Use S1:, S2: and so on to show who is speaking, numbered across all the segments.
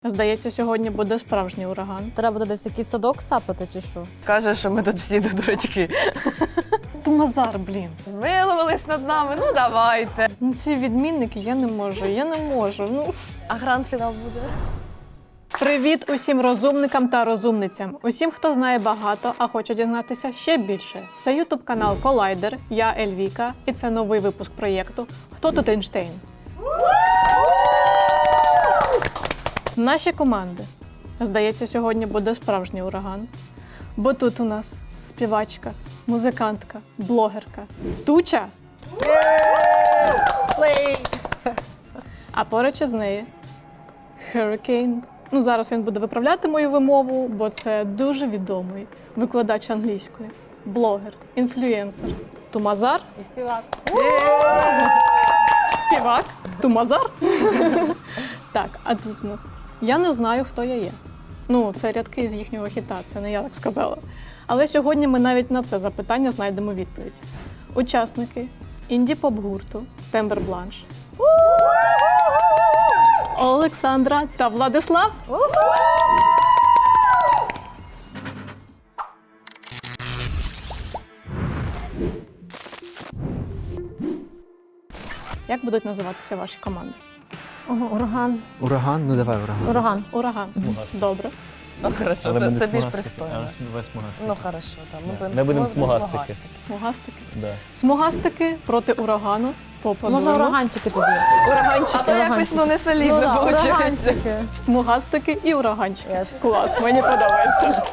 S1: Здається, сьогодні буде справжній ураган.
S2: Треба буде десь якийсь садок сапати чи що?
S3: Каже, що ми тут всі дурачки.
S1: Тумазар, блін.
S3: Виловились над нами, ну давайте.
S1: Ну ці відмінники, я не можу. Ну.
S3: А гранд-фінал буде?
S1: Привіт усім розумникам та розумницям. Усім, хто знає багато, а хоче дізнатися ще більше. Це ютуб-канал Колайдер, я Ельвіка, і це новий випуск проєкту «Хто тут Ейнштейн?». Наші команди. Здається, сьогодні буде справжній ураган. Бо тут у нас співачка, музикантка, блогерка, Туча. А поруч із нею Hurricane. Ну, зараз він буде виправляти мою вимову, бо це дуже відомий викладач англійської, блогер, інфлюенсер. Тумазар.
S2: І співак.
S1: Співак. Тумазар. Так, а тут у нас. Я не знаю, хто я є. Ну, це рядки з їхнього хіта, це не я так сказала. Але сьогодні ми навіть на це запитання знайдемо відповідь. Учасники інді-поп-гурту Тембер Бланш. Олександра та Владислав. Як будуть називатися ваші команди?
S2: Ураган.
S4: Ураган? Ну давай ураган.
S2: Ураган.
S1: Ураган. Добре.
S3: Ну хорошо,
S4: Але ми не
S3: це більш
S4: смугастики.
S3: пристойно.
S4: Давай смугастики.
S3: Ну хорошо, там
S4: Ми будемо смугастики.
S1: Смугастики.
S4: Да.
S1: Смугастики проти урагану. Поаплодуємо.
S2: Можна ураганчики тоді.
S3: Ураганчики. А то якось ну не солідно виходить.
S2: ураганчики.
S1: Смугастики і ураганчики.
S2: Yes.
S1: Клас, мені подобається.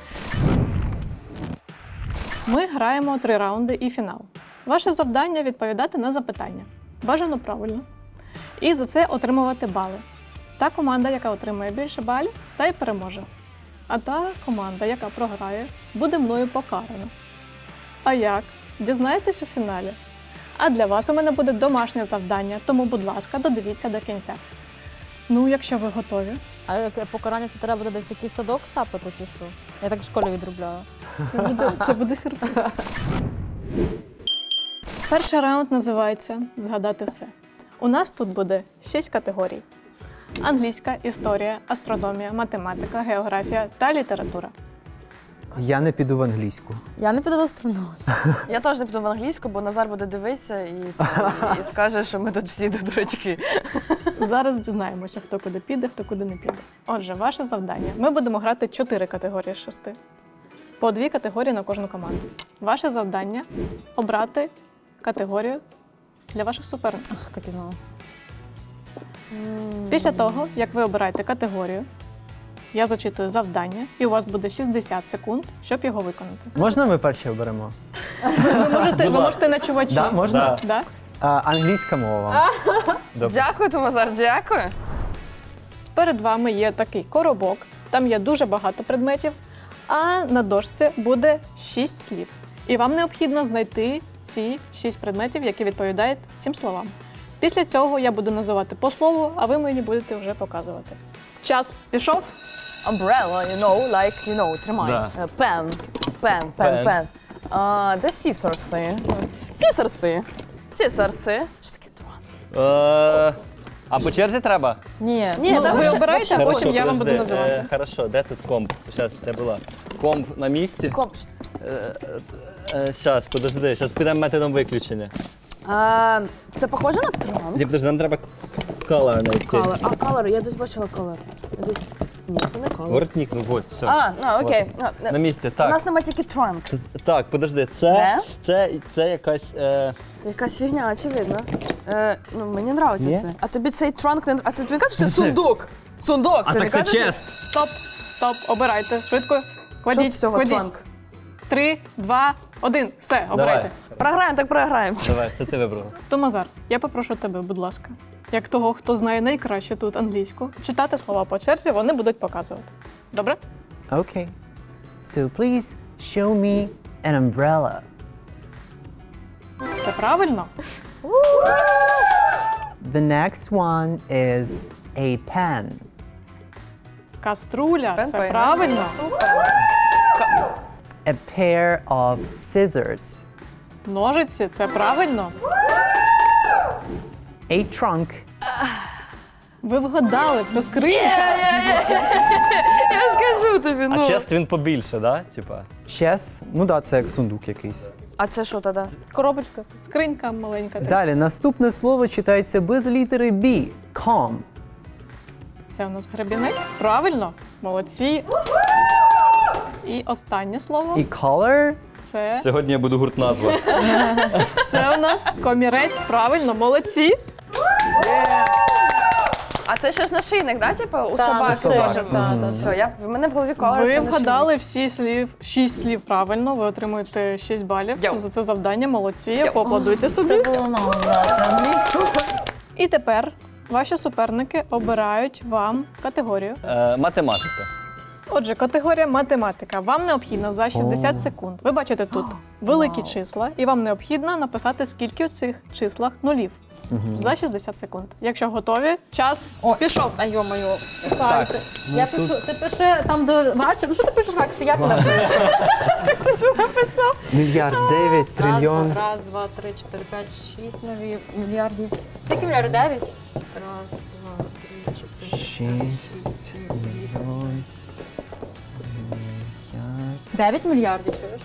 S1: Ми граємо 3 раунди і фінал. Ваше завдання – відповідати на запитання. Бажано правильно. І за це отримувати бали. Та команда, яка отримає більше балів, та й переможе. А та команда, яка програє, буде мною покарана. А як? Дізнаєтесь у фіналі? А для вас у мене буде домашнє завдання, тому, будь ласка, додивіться до кінця. Ну, якщо ви готові.
S2: А яке покарання це треба буде десь якийсь садок сапати чи що? Я так в школі відробляю.
S1: Це буде сюрприз. Перший раунд називається «Згадати все». У нас тут буде 6 категорій. Англійська, історія, астрономія, математика, географія та література.
S4: Я не піду в англійську.
S2: Я не піду в астрономію.
S3: Я теж не піду в англійську, бо Назар буде дивитися і скаже, що ми тут всі дурачки.
S1: Зараз дізнаємося, хто куди піде, хто куди не піде. Отже, ваше завдання. Ми будемо грати 4 категорії з 6. По 2 категорії на кожну команду. Ваше завдання – обрати категорію для ваших суперників.
S2: Ах, так і знала.
S1: Після того, як ви обираєте категорію, я зачитую завдання, і у вас буде 60 секунд, щоб його виконати.
S4: Можна ми перші оберемо?
S1: Ви можете на чувачі.
S4: Да, можна?
S1: Да?
S4: Англійська мова. Добре.
S3: Дякую, Томазар, дякую.
S1: Перед вами є такий коробок, там є дуже багато предметів, а на дошці буде 6 слів. І вам необхідно знайти ці 6 предметів, які відповідають цим словам. Після цього я буду називати по слову, а ви мені будете вже показувати. Час пішов.
S3: Umbrella, тримай.
S4: Да.
S3: Пен.
S4: Pen.
S3: Де сісорси? Сісорси. Що таке трон?
S5: А по черзі треба?
S2: Ні.
S3: Ні,
S1: Ну,
S3: там
S1: ви
S3: ще-
S1: обираєте, а
S5: Хорошо,
S1: потім я вам буду
S5: подожди.
S1: називати.
S5: Хорошо, де тут комп? Зараз, де була? Комп на місці?
S3: Коп.
S5: Зараз, подожди, зараз підемо методом виключення.
S3: Це похоже на трон?
S5: Ні, подожди, нам треба колор знайти.
S3: Color, я десь бачила color. Ні, це не color.
S5: Воротник, ну от, все.
S3: Окей.
S5: На місці,
S3: У
S5: так.
S3: нас нема тільки trunk.
S5: Так, подожди, це якась...
S3: Якась фігня, очевидно. Ну, мені подобається
S4: Ні?
S3: це. А тобі цей trunk не... А тобі не кажеш, що це сундук? Сундук, це не кажеш?
S1: Стоп, обирайте. Швидко, кладіть,
S3: з цього
S1: кладіть.
S3: trunk?
S1: 3, 2, 1. Все, обирайте.
S3: Програємо, так програємо.
S5: Давай, це ти вибрала.
S1: Томазар, я попрошу тебе, будь ласка, як того, хто знає найкраще тут англійську, читати слова по черзі, вони будуть показувати. Добре?
S4: Okay. So please show me an umbrella.
S1: Це правильно?
S4: The next one is a pen.
S1: Каструля,
S3: Пен
S1: це
S3: поймав.
S1: правильно.
S4: A pair of scissors.
S1: Ножиці, це правильно.
S4: A trunk.
S1: Ви вгадали, це скринька.
S3: Я ж кажу тобі,
S5: А чест він побільше, да? Типа.
S4: Chest, ну да, це як сундук якийсь.
S3: А це що тоді?
S2: Коробочка.
S1: Скринька маленька. така.
S4: Далі, наступне слово читається без літери B. Calm.
S1: Це у нас гребінець. Правильно, молодці. І останнє слово
S4: І color.
S1: це
S5: Сьогодні я буду гурт назва.
S1: у нас комірець. Правильно, молодці.
S3: А це ще ж нашийник, да? Типу, у
S2: Та,
S3: собаки
S2: нашийник,
S3: теж.
S2: та,
S3: Все, в мене в голові колор.
S1: Ви вгадали всі 6 слів правильно. Ви отримуєте 6 балів
S3: Йоу.
S1: за це завдання. Молодці.
S3: Йоу.
S1: Поаплодуйте собі.
S2: Це було нам знати англійську.
S1: І тепер ваші суперники обирають вам категорію.
S5: Математика.
S1: Отже, категорія математика. Вам необхідно за 60 секунд. Ви бачите тут великі числа, і вам необхідно написати, скільки у цих числах нулів. За 60 секунд. Якщо готові, час пішов.
S2: А йо-моє. Я пишу, ти пиши там, де важче. Ну що ти пишеш легше? Я це напишу.
S1: Це що написав?
S4: Мільярд, 9, трильйон.
S2: Раз, два, три, 4, 5, 6 нові мільярдів. Скільки мільярдів? 9? Раз, два, три, 4,
S4: 6
S2: 5,
S4: мільйон.
S2: 9 мільярдів, чуєш?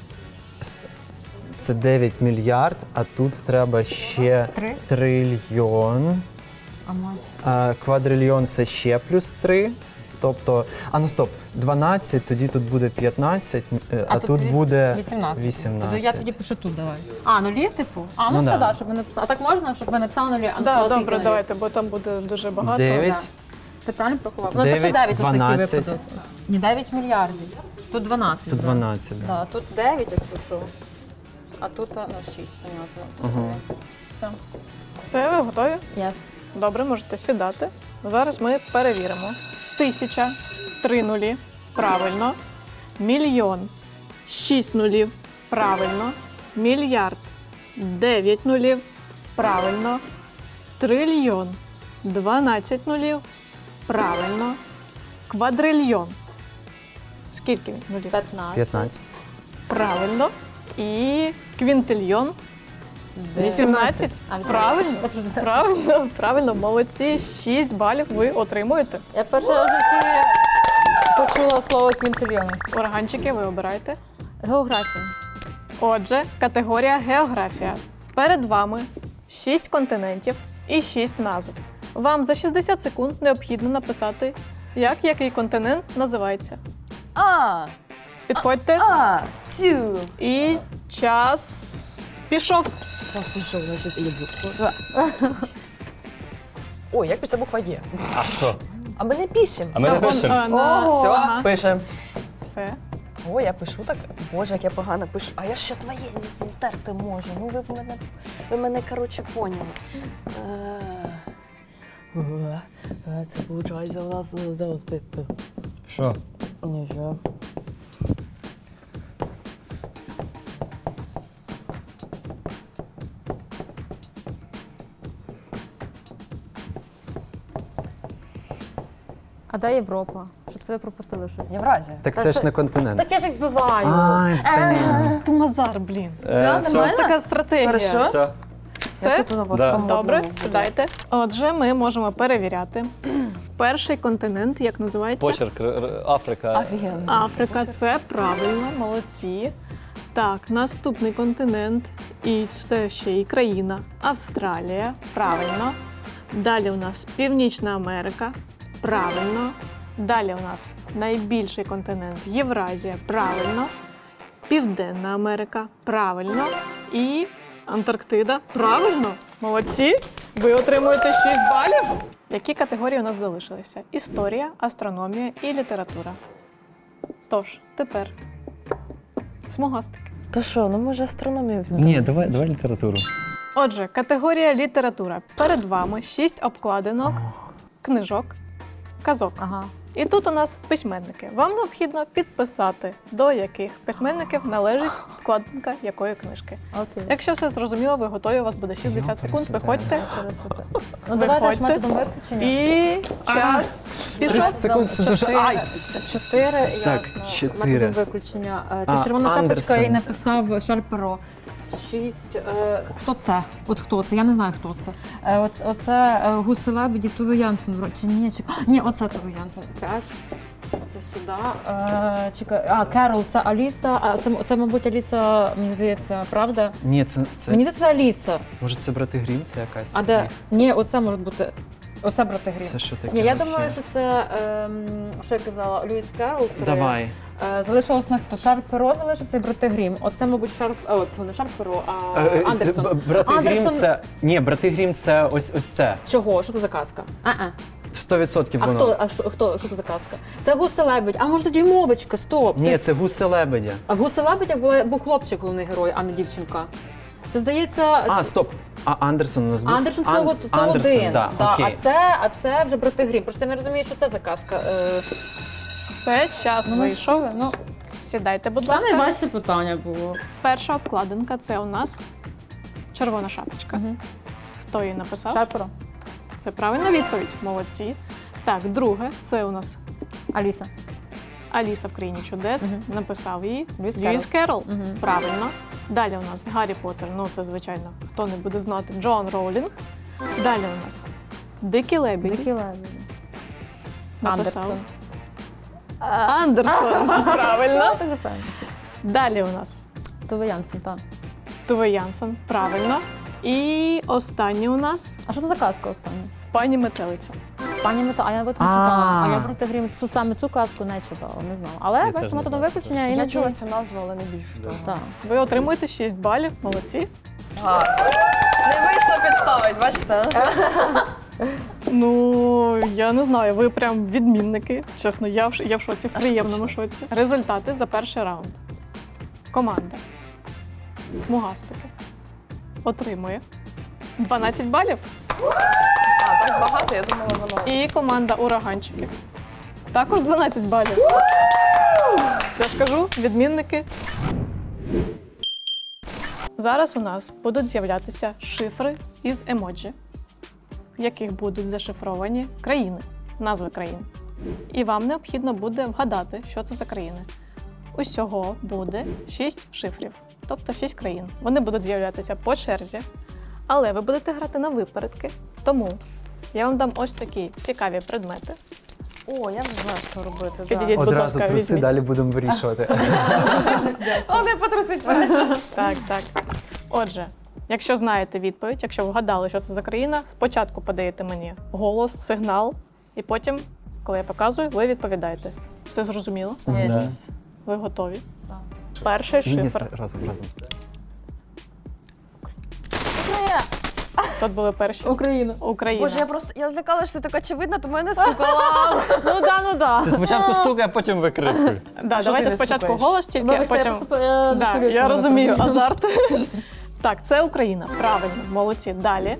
S4: Це 9 мільярд, а тут треба ще
S2: Три?
S4: трильйон.
S2: А мать.
S4: Квадрильйон це ще плюс 3. Тобто, ну стоп, 12, тоді тут буде 15, а тут буде 18.
S2: Тоді я тоді пишу тут, давай. А, нулі, типу? А, ну
S4: Ну,
S2: все,
S4: да.
S2: да, щоб ми написали. А так можна, щоб ми написали нулі? А
S1: Да,
S2: написали
S1: добре,
S2: скільки нулів?
S1: давайте, бо там буде дуже багато.
S4: 9.
S2: Да. Ти правильно порахував? Ну,
S4: 9,
S2: пиши 9 у такий
S4: 12.
S2: випадок. Не 9 мільярдів. Тут 12.
S4: Тут
S2: да.
S4: 12, да.
S2: Да, тут 9, якщо що. А тут 6, понятно. Все.
S1: Все, ви готові?
S2: Yes.
S1: Добре, можете сідати. Зараз ми перевіримо. 1000, 3 нулі, правильно. Мільйон, 6 нулів, правильно. Мільярд, 9 нулів, правильно. Трильйон, 12 нулів, правильно. Квадрильйон. Скільки нулів?
S2: 15.
S4: 15.
S1: Правильно. І квінтильйон, 18.
S2: А, 18.
S1: Правильно. Правильно, правильно, молодці. 6 балів ви отримуєте.
S2: Я перше в житті почула слово квінтильйон.
S1: Органчики ви обираєте.
S2: Географія.
S1: Отже, категорія географія. Перед вами 6 континентів і 6 назв. Вам за 60 секунд необхідно написати, як який континент називається. Підходьте.
S3: Цю.
S1: І час пішов.
S2: Пішов, значить, іду.
S3: Ой, як пише буква Є?
S5: А що?
S3: А ми не пишемо.
S5: А ми не пишемо.
S3: Все,
S1: Ага.
S3: пишемо.
S1: Все.
S3: О, я пишу так. Боже, як я погано пишу. А я ще твоє здерти можу. Ну ви мене коротше, поняли. Це виходить у нас.
S5: Що?
S3: Нічого.
S2: А де Європа? Що це ви пропустили щось?
S3: Євразія.
S4: Так
S2: Та
S4: це ж
S2: що-
S4: не континент.
S2: Так я ж їх збиваю.
S4: Ай, блін.
S1: Ти Мазар, блін.
S5: Все?
S1: Це ж така стратегія.
S3: Хорошо.
S5: Все?
S1: Все?
S5: Да.
S1: Добре, сідайте. Отже, ми можемо перевіряти. Перший континент, як називається?
S5: Почерк, Африка.
S3: Офігенно.
S1: Африка, це правильно, молодці. Так, наступний континент, і це ще і країна. Австралія, правильно. Далі у нас Північна Америка, правильно. Далі у нас найбільший континент Євразія, правильно. Південна Америка, правильно. І Антарктида, правильно. Молодці. Ви отримуєте 6 балів. Які категорії у нас залишилися? Історія, астрономія і література. Тож, тепер смугастики.
S3: То що, ну може астрономію
S5: Ні, давай літературу.
S1: Отже, категорія література. Перед вами 6 обкладинок, книжок, казок.
S2: Ага.
S1: І тут у нас письменники. Вам необхідно підписати, до яких письменників належить вкладинка якої книжки.
S2: Окей.
S1: Якщо все зрозуміло, ви готові, у вас буде 60 секунд, виходьте.
S2: Ну давайте ж
S1: Виходьте.
S2: методом виключення.
S1: І час пішов.
S4: 30 секунд, це дуже... Ай!
S2: 4,
S4: Так,
S2: ясно.
S4: 4.
S2: Методом виключення. Це
S4: А,
S2: червона шапочка
S4: Андерсен.
S2: і написав Шарль Перо. 6. Хто це? От хто це? Я не знаю, хто це. Оце Гуселебеді, Туве Янсен. Чи ні? Ні, оце Туве Янсен. 5. Це сюди. Чекай. Керол, це Аліса. Це, мабуть, Аліса, мені здається, правда?
S4: Ні,
S2: Мені здається, це Аліса.
S4: може це брати Грім, це якась.
S2: А де? Ні, оце може бути. Оце брати Грім.
S4: Це що таке?
S2: Ні, я
S4: вообще?
S2: думаю, що це, що я казала, Льюіс Керол.
S4: Давай.
S2: Залишилось на хто? Шарп Перо залишився і брати Грім. Оце, мабуть, не Шарп Перо, а Андерсон.
S4: Брати Грім
S2: Андерсон.
S4: це. Ні, брати Грім це ось це.
S2: Чого? Що це за казка?
S4: 100%
S2: А
S4: воно.
S2: хто? Що це за казка? Це Гуси-лебедь. А може тоді мовочка? Стоп.
S4: Ні, це гуси лебедя.
S2: А в Гуси-лебедя був хлопчик, головний герой, а не дівчинка. Це здається.
S4: А, стоп. А Андерсон у нас був?
S2: Андерсон це
S4: Андерсон,
S2: один.
S4: Да,
S2: Да,
S4: окей.
S2: а це вже брати Грім. Просто я не розумію, що це за казка.
S1: Все, час вийшов.
S2: Ну,
S1: Сідайте, будь
S2: це
S1: ласка.
S2: найважче питання було.
S1: Перша обкладинка це у нас червона шапочка. Хто її написав?
S2: Шарперо.
S1: Це правильна відповідь. Молодці. Так, друге, це у нас
S2: Аліса.
S1: Аліса в країні чудес. Написав її
S2: Льюіс
S1: Льюіс Керол.
S2: Мгм.
S1: Правильно. Далі у нас Гаррі Поттер. Ну, це, звичайно, хто не буде знати. Джоан Роулінг. Далі у нас Дикі Лебеді.
S2: Дикі лебеді.
S1: Написав. Андерсон. Правильно. Далі у нас
S2: Туве Янсен, так.
S1: Туве Янсен. Правильно. І останнє у нас
S2: А що це за казка остання?
S1: пані Метелиця.
S2: Пані Мета, а я не читала. А я проти Грім саме цю казку не читала, не знала. Але
S5: Я
S2: бачите,
S5: теж не
S2: методом
S5: знаю,
S2: виключення
S3: Я
S2: іноді.
S3: чула цю назву, але не більше того.
S2: Так.
S1: Ви отримуєте 6 балів. Молодці.
S3: Не вийшло підставити, бачите?
S1: Ну, я не знаю, ви прям відмінники. Чесно, я в шоці, в приємному шоці. Результати за перший раунд. Команда Смугастики отримує 12 балів.
S3: А, так багато, я думала, воно.
S1: І команда Ураганчики також 12 балів. Я ж кажу, відмінники. Зараз у нас будуть з'являтися шифри із емоджі, в яких будуть зашифровані країни, назви країн. І вам необхідно буде вгадати, що це за країни. Усього буде 6 шифрів, тобто 6 країн. Вони будуть з'являтися по черзі, але ви будете грати на випередки. Тому я вам дам ось такі цікаві предмети.
S3: О, я не знаю, що робити. Да.
S1: Підійдіть, будь
S4: Одразу
S1: ласка,
S4: труси,
S1: візьміть.
S4: далі будемо вирішувати.
S3: О, не потрусить перше.
S1: Так, так. Отже, якщо знаєте відповідь, якщо вгадали, що це за країна, спочатку подаєте мені голос, сигнал, і потім, коли я показую, ви відповідаєте. Все зрозуміло?
S5: Да.
S1: Ви готові? Перший
S4: Ні, ні,
S1: шифр.
S4: разом.
S1: Тут були перші.
S2: Україна.
S1: Україна.
S3: Боже, я злякалася, що ти так очевидно, то мене стукала.
S2: Ну да.
S5: Ти спочатку стукай, а потім викрикуй.
S1: Да,
S3: що
S1: давайте
S3: ти не
S1: спочатку
S3: слухаєш?
S1: голос, тільки а потім. Да, я розумію азарт. Так, це Україна. Правильно, молодці. Далі.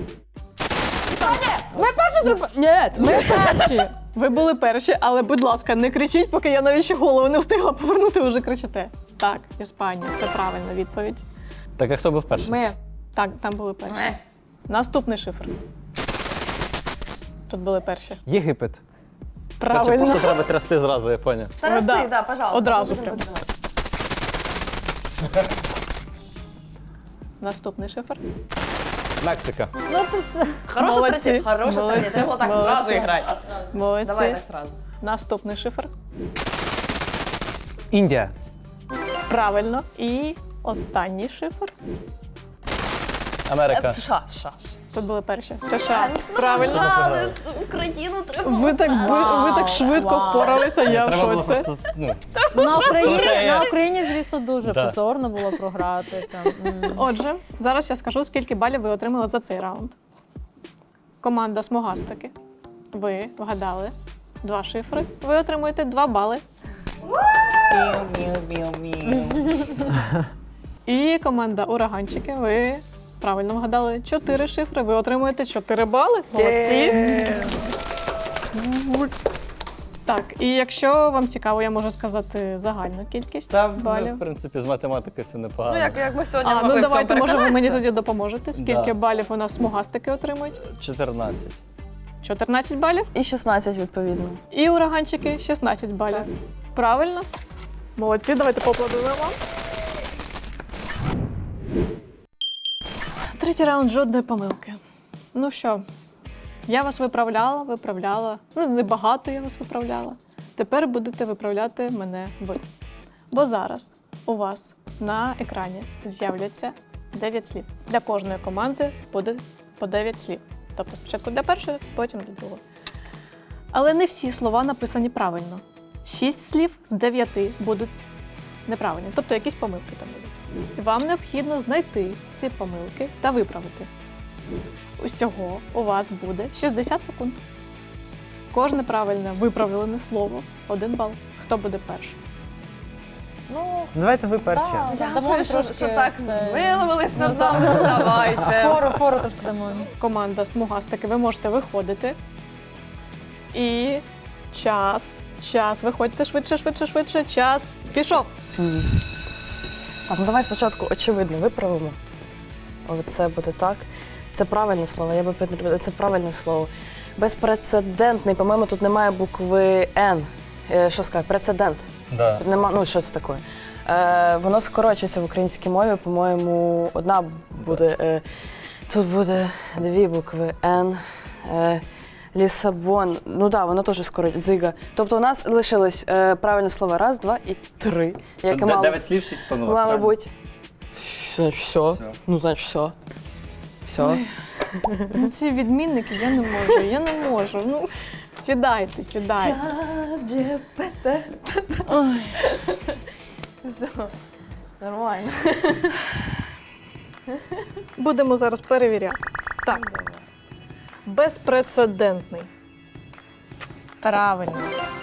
S2: Ми перші зробили. Ні, ми перші.
S1: Ви були перші, але, будь ласка, не кричіть, поки я навіть ще голову не встигла повернути, ви вже кричите. Так, Іспанія, це правильна відповідь.
S5: Так, а хто був перший?
S2: Ми.
S1: Так, там були перші. Наступний шифр. Тут були перші.
S4: Єгипет.
S5: Короче,
S1: Правильно.
S5: просто треба трясти зразу, я поняв.
S3: Тараси,
S1: Да.
S3: да, пожалуйста.
S1: Одразу
S3: Будемо
S1: прям.
S3: подумати.
S1: Наступний шифр.
S5: Мексика.
S2: Ну то все.
S3: Хороша
S1: Молодці.
S3: стратегія, хороша стратегія.
S1: Молодці.
S3: Треба так
S1: Молодці.
S3: зразу грати.
S1: Молодці.
S3: Давай так зразу.
S1: Наступний шифр.
S4: Індія.
S1: Правильно. І останній шифр.
S5: Америка.
S3: США.
S1: Тут були перші. США. Правильно.
S3: Але Україну треба.
S1: Ви так швидко впоралися, я в
S5: Треба було
S1: шоці.
S5: просто, ну,
S2: На Україні, звісно, дуже
S5: Да.
S2: позорно було програти.
S1: Отже, зараз я скажу, скільки балів ви отримали за цей раунд. Команда Смугастики. Ви вгадали 2 шифри. Ви отримуєте 2 бали. І команда Ураганчики. Ви правильно вгадали 4 шифри. Ви отримуєте 4 бали. Молодці. Так, і якщо вам цікаво, я можу сказати загальну кількість
S5: Та,
S1: балів.
S5: в принципі, з математики все непогано.
S3: Ну, як ми сьогодні
S1: А,
S3: могли
S1: ну
S3: в
S1: давайте,
S3: цьому
S1: може, ви мені
S3: переконатися?
S1: тоді допоможете. Скільки
S5: Да.
S1: балів у нас смугастики отримують?
S5: 14.
S1: 14 балів.
S3: І 16, відповідно.
S1: І ураганчики 16 балів. Правильно? Молодці, давайте поаплодуємо вам. Третій раунд жодної помилки. Ну що, я вас виправляла. Ну, небагато я вас виправляла. Тепер будете виправляти мене ви. Бо зараз у вас на екрані з'являться 9 слів. Для кожної команди буде по 9 слів. Тобто спочатку для першої, потім для другої. Але не всі слова написані правильно. 6 слів з 9 будуть неправильні, тобто якісь помилки там будуть. І вам необхідно знайти ці помилки та виправити. Усього у вас буде 60 секунд. Кожне правильне виправлене слово – 1 бал. Хто буде перший?
S3: Ну,
S4: Давайте ви перші.
S2: Дамо
S3: що так
S2: це-
S3: змилувались над
S2: Ну, так.
S3: нами, давайте.
S2: Фору трошки дамо.
S1: Команда смугастики, ви можете виходити. І час. Виходьте швидше. Час пішов.
S3: Так, ну давай спочатку очевидно виправимо. Це буде так. Це правильне слово, я би підтримала. Це правильне слово. Безпрецедентний, по-моєму, тут немає букви Н. Що сказати? Прецедент.
S5: Да.
S3: Тут нема, ну, що це таке? Воно скорочується в українській мові, по-моєму, одна буде. Тут буде 2 букви Н. Лісабон. Ну так, воно теж скорочується. Дзига. Тобто у нас лишилось правильне слово 1, 2 і 3. Яке мало,
S5: 9 слів, 6 помилок.
S3: мало
S5: правильно?
S3: бути. Значить, все.
S5: Все.
S3: Ну, значить, все. Все.
S1: Ой. Ну, ці відмінники я не можу. Ну, сідайте. Ой.
S3: Все. Нормально.
S1: Будемо зараз перевіряти. Так. Безпрецедентний. Правильно.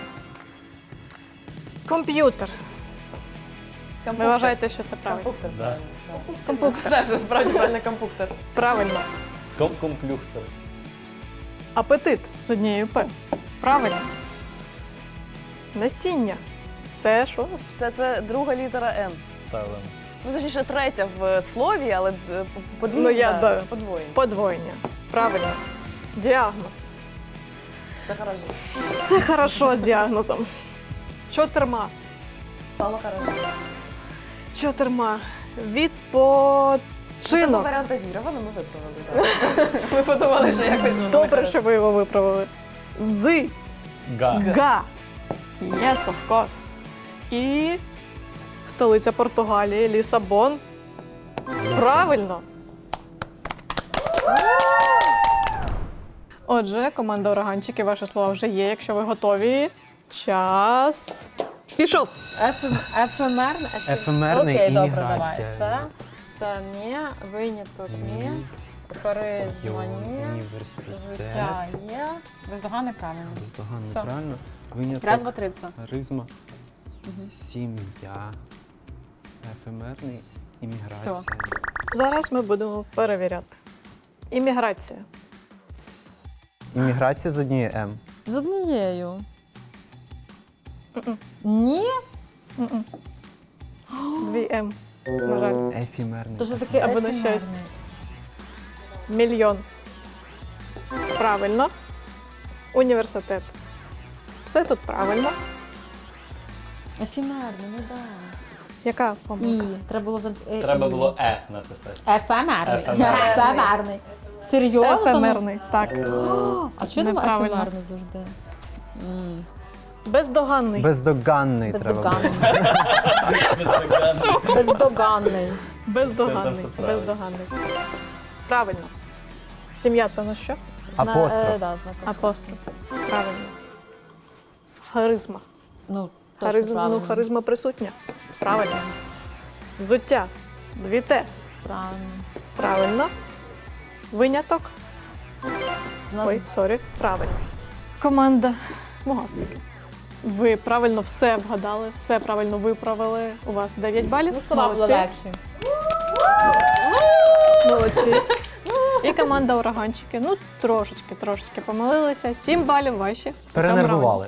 S1: Комп'ютер. Ви вважаєте, що це правильно?
S3: Компуктор.
S5: Да.
S1: Комп'ютер.
S3: Це справді правильно компуктор.
S1: Правильно.
S5: Комплюхтер.
S1: Апетит з однією П. Правильно. Насіння. Це що?
S3: Це друга літера Н.
S5: Ставимо.
S3: Ну, точніше, третя в слові, але подвійна.
S1: Ну, я, да.
S3: Подвоєння.
S1: Подвоєння. Правильно. Діагноз.
S3: Це хорошо.
S1: Все хорошо з діагнозом. Чотирма.
S3: Стало хорошо.
S1: Чотирма.
S3: Це
S1: Відпочинок.
S3: варіантазіровано, ми виправили. Так. Ми подумали, що якось воно
S1: Добре,
S3: хорошо.
S1: що ви його виправили. Дзи.
S5: Га.
S1: Га. Yes, of course. І столиця Португалії, Лісабон. Правильно. Отже, команда ураганчики, ваші слова вже є. Якщо ви готові, час пішов.
S2: Ефемерний.
S4: Ефемерний
S2: Окей,
S4: і
S2: добре,
S4: міграція.
S2: давай. Це не, виняток не, харизма не,
S4: Університет.
S2: життя є. Бездоганне правильно.
S4: Бездоганно,
S2: Все.
S4: правильно. Виняток.
S2: Раз, два, три, все.
S4: Харизма. Сім'я. Ефемерний. Імміграція.
S2: Все.
S1: Зараз ми будемо перевіряти. Імміграція.
S4: Імміграція з однією М.
S2: З однією.
S1: Мгм.
S2: Ні?
S1: Мгм. 2 М. На жаль.
S4: Ефемерний.
S2: То що таке
S1: Або на
S2: ефемерний?
S1: щастя. Мільйон. Правильно. Університет. Все тут правильно.
S2: Ефемерний, ну да.
S1: Яка
S2: І.
S1: помилка?
S2: Треба було...
S5: Треба
S2: і.
S5: було написати.
S2: Ефемерний.
S5: Ефемерний.
S2: Ефемерний. Серйозно?
S1: Ефемерний. Так.
S2: А чого думаю
S1: Неправильно.
S2: ефемерний завжди?
S1: Бездоганний.
S4: Бездоганний треба було.
S2: Бездоганний. Бездоганний.
S1: Бездоганний.
S5: Це правильно.
S1: Бездоганний. Правильно. Сім'я це на що?
S4: Апостроф.
S2: Да, знак.
S1: Апостроф. Правильно. Харизма.
S2: Ну, точно правильно.
S1: Харизма присутня. Правильно. Взуття. 2 Т.
S2: Правильно.
S1: Правильно. Виняток.
S2: Знак-
S1: Ой, сорі. Правильно. Команда смугастики. Ви правильно все вгадали, все правильно виправили. У вас 9 балів.
S2: Ну, слова було
S1: Молодці.
S2: легші.
S1: Молодці. І команда ураганчики. Ну, трошечки помилилися. 7 балів ваші. в цьому
S4: Перенервували.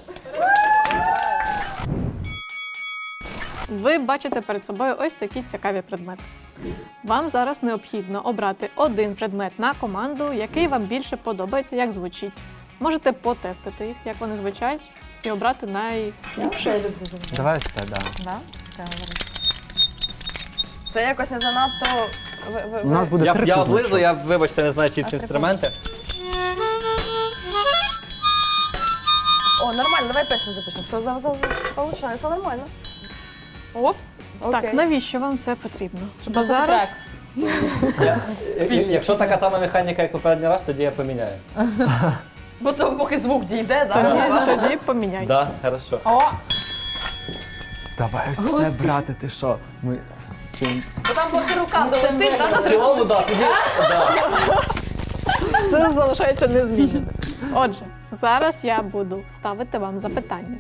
S1: Ви бачите перед собою ось такі цікаві предмети. Вам зараз необхідно обрати один предмет на команду, який вам більше подобається, як звучить. Можете потестити їх, як вони звучать, і обрати найліпше.
S2: Я люблю завжди.
S4: Давай все, да.
S2: Да? Чекай, говори.
S3: Це якось не занадто
S4: У нас буде
S5: Я
S4: трикутничок.
S5: облизу, я, вибачте, не знаю, чи ці інструменти.
S3: О, нормально, давай песню запишемо. Все, получається нормально. Оп,
S1: Так,
S3: окей.
S1: навіщо вам все потрібно? Бо
S2: просто
S1: зараз
S5: Якщо така сама механіка, як попередній раз, тоді я поміняю.
S3: Бо то поки звук дійде,
S1: тоді поміняй.
S5: Так, хорошо.
S2: О,
S4: Давай все, брате, ти що? Ми з цим...
S3: Бо там поки рука долетить,
S5: В цілому, так, тоді.
S1: Все залишається незмінним. Отже, зараз я буду ставити вам запитання.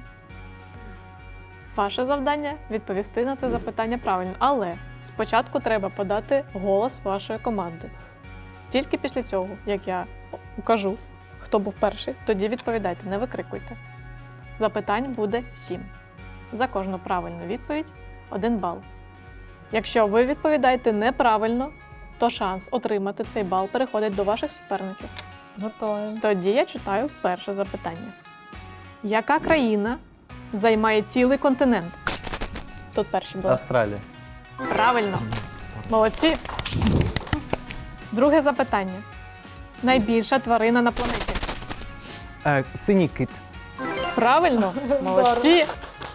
S1: Ваше завдання відповісти на це запитання правильно, але спочатку треба подати голос вашої команди. Тільки після цього, як я укажу, хто був перший, тоді відповідайте, не викрикуйте. Запитань буде 7. За кожну правильну відповідь 1 бал. Якщо ви відповідаєте неправильно, то шанс отримати цей бал переходить до ваших суперників.
S2: готові.
S1: Тоді я читаю перше запитання. Яка країна займає цілий континент? Тут перші були.
S5: Австралія.
S1: Правильно. Молодці. Друге запитання. Найбільша тварина на планеті.
S4: Синій кит.
S1: Правильно. Молодці.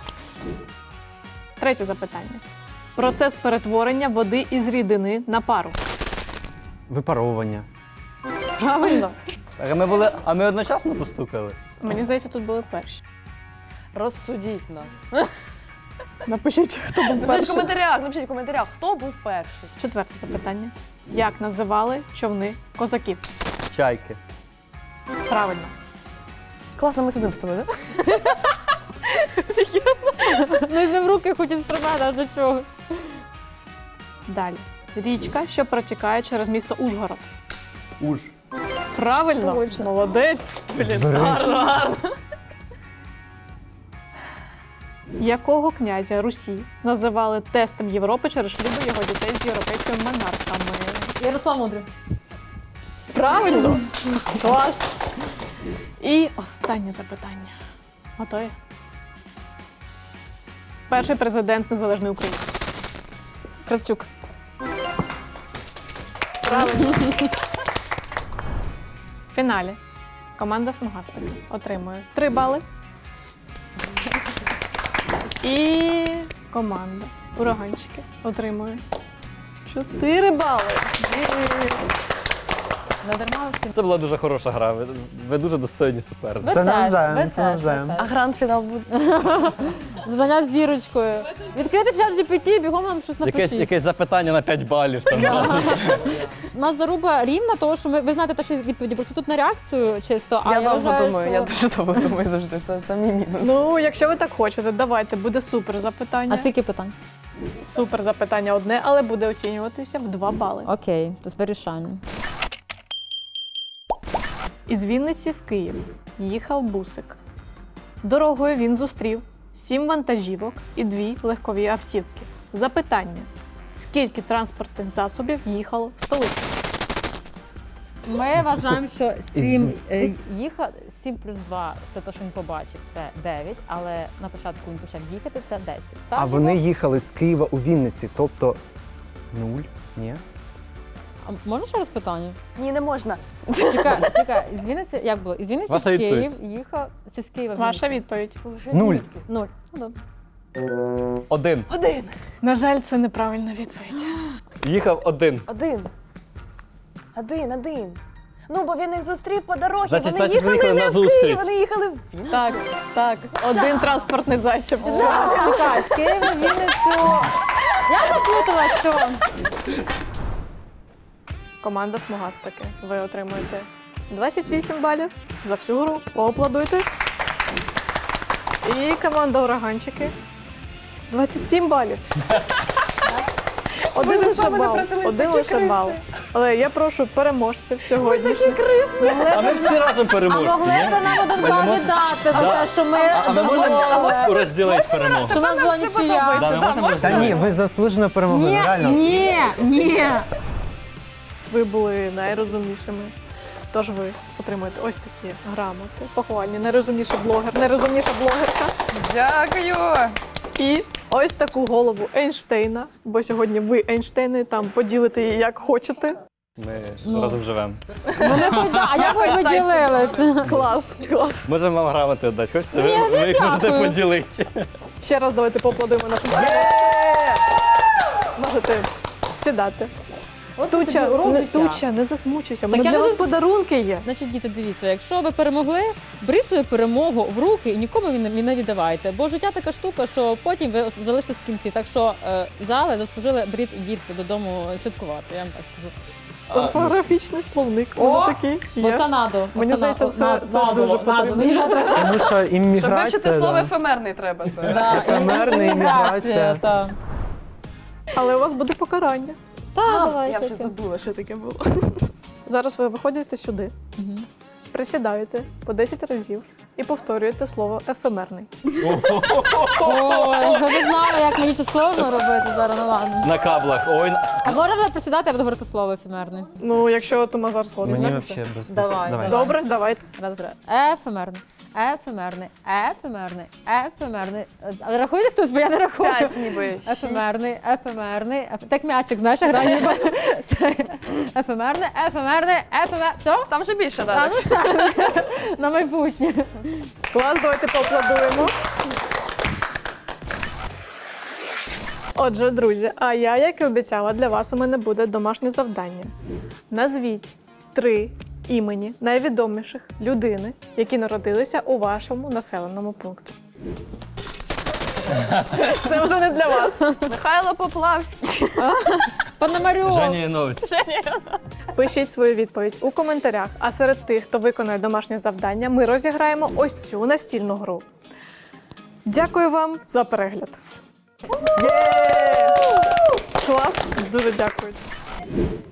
S1: Третє запитання. Процес перетворення води із рідини на пару.
S4: Випаровування.
S1: Правильно.
S5: А ми одночасно постукали?
S1: Mені здається, тут були перші.
S3: Розсудіть нас.
S1: Напишіть, хто був
S3: Напишіть в коментарях, хто був перший.
S1: Четверте запитання. Як називали човни козаків?
S5: Чайки.
S1: Правильно.
S3: Класно, ми сидимо з тобою, так?
S2: Ну, візьмемо в руки хоч інструмент, а до чого?
S1: Далі. Річка, що протікає через місто Ужгород.
S5: Уж.
S1: Правильно.
S3: Точно.
S1: Молодець.
S4: Зберись.
S1: Якого князя Русі називали тестом Європи через шлюби його дітей з європейськими монархами?
S2: Ярослав Мудрий.
S1: Правильно. Клас. І останнє запитання. Готові? Перший президент Незалежної України. Кравчук. Правильно. В фіналі команда Смугастик отримує 3 бали. І команда Ураганчики отримує 4 бали.
S2: Не дарма всім.
S5: Це була дуже хороша гра. Ви дуже достойні суперники.
S4: Це навзаєм,
S2: ви
S4: це
S2: теж,
S4: навзаєм.
S2: ви
S3: А
S2: теж.
S3: гранд-фінал буде.
S2: Задання з зірочкою. Відкрити чат GPT, бігом нам щось напишіть.
S5: Якесь запитання на 5 балів. Там.
S2: У нас заруба рівна, тому що ви знаєте теж відповіді, просто тут на реакцію чисто, а
S3: Я
S2: я
S3: довго
S2: вважаю,
S3: думаю,
S2: що...
S3: я дуже довго думаю завжди. Це мій мінус.
S1: Ну, якщо ви так хочете, давайте, буде супер запитання.
S2: А скільки питань?
S1: Супер запитання одне, але буде оцінюватися в 2 бали.
S2: Окей, то вирішальне.
S1: Із Вінниці в Київ їхав бусик. Дорогою він зустрів 7 вантажівок і 2 легкові автівки. Запитання: скільки транспортних засобів їхало в столицю?
S2: Ми вважаємо, що
S4: Із-
S2: 7 плюс 2 – це те, що він побачив, це 9, але на початку він почав їхати, це 10. Так,
S4: А вони їхали з Києва у Вінниці, тобто 0, ні?
S2: А можна ще раз питання?
S3: Ні, не можна.
S2: Чекай, із Вінниці, як було? Із Вінниці
S5: Ваша
S2: в Київ
S5: відповідь.
S2: їхав, чи з Києва в
S1: Ваша
S2: Вінницю?
S1: відповідь.
S4: 0.
S2: 0. Ну, добре.
S5: 1.
S1: На жаль, це неправильна відповідь.
S5: Їхав 1.
S3: Один. Ну, бо він їх зустрів по дорозі.
S5: Значить,
S3: вони
S5: ви
S3: їхали
S5: їхали
S3: не
S5: на
S3: в Київ,
S5: зустріч.
S3: вони їхали в Вінницю.
S1: Так, один транспортний засіб.
S2: Чекай, з Києва в Вінницю. Я наплуталась, все.
S1: Команда Смугастики. Ви отримуєте 28 балів за всю гру. Поаплодуйте. І команда Ураганчики 27 балів. Один лише бал. Один лише бал. Але я прошу переможців сьогоднішніх.
S5: А ми всі разом
S2: А
S5: переможці,
S2: могли
S5: ні?
S2: б нам один бал віддати за те, що ми
S5: А ми можемо розділити перемогу?
S2: що в нас була нічия.
S5: Да, ми можемо
S4: Та
S5: розділити?
S4: ні, ви заслужено перемогли,
S2: Ні,
S4: реально.
S2: ні.
S1: Ви були найрозумнішими. Тож ви отримуєте ось такі грамоти. Похвальні. Найрозумніший блогер, найрозумніша блогерка.
S3: Дякую.
S1: І ось таку голову Ейнштейна, бо сьогодні ви Ейнштейни, там поділите її як хочете.
S5: Ми
S2: Ну.
S5: разом живемо.
S2: Вони хоч, а як ви поділили це?
S1: Клас, клас.
S5: Можемо вам грамоти віддати. Хочете?
S2: Ні,
S5: Ви їх можете
S2: дякую.
S5: поділити.
S1: Ще раз давайте поаплодуємо нашим. Можете сідати.
S2: От
S1: Туча,
S2: тобі урок
S1: не,
S2: життя.
S1: Туча, не засмучуйся. У
S2: Так
S1: мене
S2: я
S1: для
S2: не
S1: вас
S2: зас-
S1: подарунки є.
S2: Значить, діти, дивіться, якщо ви перемогли, беріть свою перемогу в руки і нікому її не віддавайте. Бо життя така штука, що потім ви залишитесь в кінці. Так що зали заслужили, беріть і їдьте додому святкувати, я вам так скажу.
S1: Орфографічний словник.
S2: О,
S1: Воно такий
S2: Бо
S1: є.
S2: це надо.
S1: Мені здається, це дуже потрібно.
S2: Мені не треба.
S4: Тому що імміграція. да.
S3: ефемерний треба.
S2: Да,
S4: Ефемерна імміграція.
S2: Так,
S1: Але у вас буде покарання.
S2: давайте.
S3: забула, що таке було.
S1: Зараз ви виходите сюди,
S2: Мгм.
S1: присідаєте по 10 разів і повторюєте слово ефемерний.
S2: Ой, ви б знали, як мені це сложно робити зараз, ну ладно.
S5: На каблах. Ой,
S2: А можна буде присідати, я буду говорити слово ефемерне.
S1: Ну, якщо Томазар згоден.
S4: Мені
S2: Знаєте?
S4: взагалі без
S2: Давай,
S4: Давай.
S2: давай.
S1: Добре, давайте.
S2: Раз, два. Ефемерне. Ефемерний, ефемерний, ефемерний. А рахуєте хтось, бо я не рахую.
S3: ніби.
S2: Ефемерний, ефемерний, так м'ячик, знаєш, грає ніби. Це ефемерний, все?
S3: Там вже більше
S2: А, ну все, на майбутнє.
S1: Клас, давайте поаплодуємо. Отже, друзі, а я, як і обіцяла, для вас у мене буде домашнє завдання. Назвіть 3 імені найвідоміших людини, які народилися у вашому населеному пункті. Це вже не для вас.
S3: Михайло Поплавський.
S2: Пономарьов.
S5: Женя Янович.
S1: Пишіть свою відповідь у коментарях, а серед тих, хто виконає домашнє завдання, ми розіграємо ось цю настільну гру. Дякую вам за перегляд. Клас, дуже дякую.